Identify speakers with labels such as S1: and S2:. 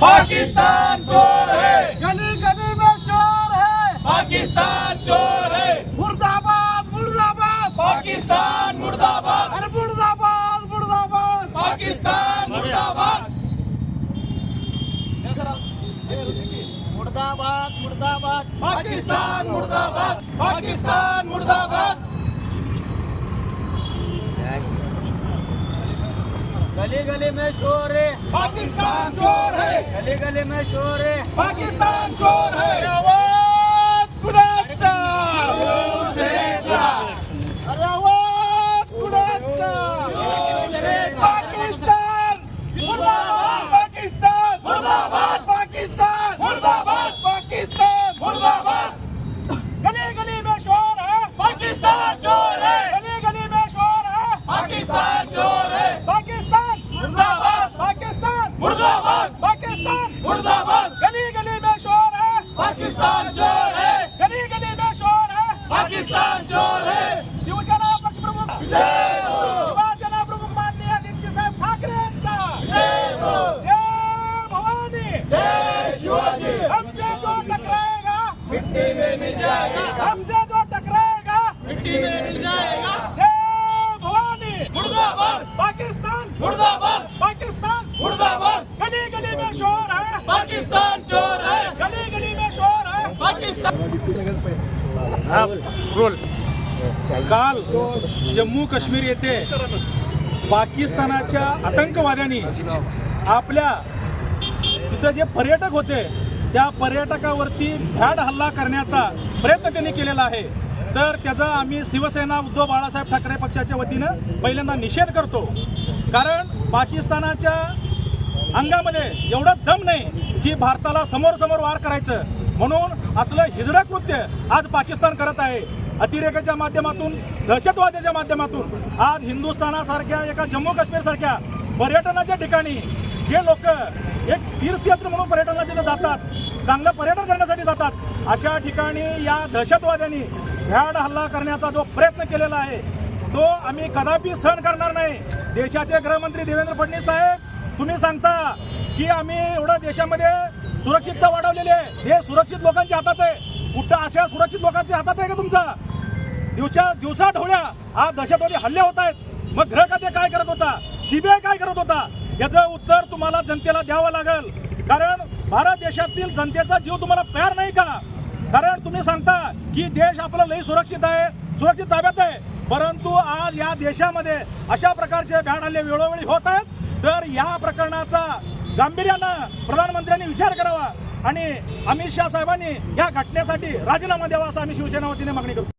S1: पाकिस्तान चोर है,
S2: गली गली में चोर है,
S1: पाकिस्तान चोर है,
S2: मुर्दाबाद मुर्दाबाद,
S1: पाकिस्तान मुर्दाबाद,
S2: अरे मुर्दाबाद मुर्दाबाद,
S1: पाकिस्तान मुर्दाबाद,
S2: मुर्दाबाद मुर्दाबाद,
S1: पाकिस्तान मुर्दाबाद, पाकिस्तान मुर्दाबाद।
S2: गली गली में चोर है,
S1: पाकिस्तान चोर है,
S2: गली गली में चोर है,
S1: पाकिस्तान चोर है।
S2: आवाज कुणाचा,
S1: शिवसेनेचा,
S2: अरे आवाज कुणाचा, पाकिस्तान
S1: मुर्दाबाद,
S2: पाकिस्तान
S1: मुर्दाबाद,
S2: पाकिस्तान
S1: मुर्दाबाद,
S2: पाकिस्तान
S1: मुर्दाबाद।
S2: गली गली में शोर है,
S1: पाकिस्तान चोर है,
S2: गली गली में शोर है,
S1: पाकिस्तान चोर है,
S2: पाकिस्तान
S1: मुर्दाबाद,
S2: पाकिस्तान
S1: मुर्दाबाद,
S2: पाकिस्तान
S1: मुर्दाबाद।
S2: गली गली में शोर है,
S1: पाकिस्तान चोर है,
S2: गली गली में शोर है,
S1: पाकिस्तान चोर है।
S2: शिवसेना पक्षप्रमुख
S1: जय हो,
S2: शिवसेना प्रमुख माननीय आदित्यसाहेब ठाकरे यांचा
S1: जय हो,
S2: जय भवानी,
S1: जय शिवाजी।
S2: हमसे जो टकराएगा
S1: मिट्टी में मिल जाएगा,
S2: हमसे जो टकराएगा
S1: मिट्टी में मिल जाएगा।
S2: जय भवानी,
S1: मुर्दाबाद,
S2: पाकिस्तान
S1: मुर्दाबाद,
S2: पाकिस्तान
S1: मुर्दाबाद।
S2: गली गली में शोर है,
S1: पाकिस्तान चोर है,
S2: गली गली में शोर है।
S1: पाकिस्तान।
S3: काल जम्मू काश्मीर येथे पाकिस्तानाच्या आतंकवाद्यांनी आपल्या तिथं जे पर्यटक होते त्या पर्यटकावरती भ्याड हल्ला करण्याचा प्रयत्न त्यांनी केलेला आहे. तर त्याचा आम्ही शिवसेना उद्धव बाळासाहेब ठाकरे पक्षाच्या वतीनं पहिल्यांदा निषेध करतो. कारण पाकिस्तानाच्या अंगामध्ये एवढं दम नाही की भारताला समोर समोर वार करायचं, म्हणून असलं हिजडं कृत्य आज पाकिस्तान करत आहे. अतिरेकाच्या माध्यमातून, दहशतवादाच्या माध्यमातून आज हिंदुस्थानासारख्या एका जम्मू काश्मीर सारख्या पर्यटनाच्या ठिकाणी जे लोक एक तीर्थयात्र म्हणून पर्यटनाला तिथे जातात, चांगलं पर्यटन करण्यासाठी जातात, अशा ठिकाणी या दहशतवाद्यांनी भ्याड हल्ला करण्याचा जो प्रयत्न केलेला आहे तो आम्ही कदापि सहन करणार नाही. देशाचे गृहमंत्री देवेंद्र फडणवीस साहेब, तुम्ही सांगता की आम्ही एवढ्या देशामध्ये सुरक्षितता वाढवलेली आहे, हे सुरक्षित लोकांच्या हातात आहे. कुठं अशा सुरक्षित लोकांच्या हातात आहे का तुमचा? दिवसा ढवळ्या आज दहशतवादी हल्ले होत आहेत. मग गृह खाते काय करत होता, सीबीआय काय करत होता? याचं उत्तर तुम्हाला जनतेला द्यावं लागेल. कारण भारत देशातील जनतेचा जीव तुम्हाला प्यार नाही का? कारण तुम्ही सांगता की देश आपला लई सुरक्षित आहे, सुरक्षित ताब्यात आहे, परंतु आज या देशामध्ये अशा प्रकारचे भ्याड हल्ले वेळोवेळी होत आहेत. तर या प्रकरणाचा गांभीर्यानं प्रधानमंत्र्यांनी विचार करावा आणि अमित शहा साहेबांनी या घटनेसाठी राजीनामा द्यावा असं आम्ही शिवसेना वतीने मागणी करतो.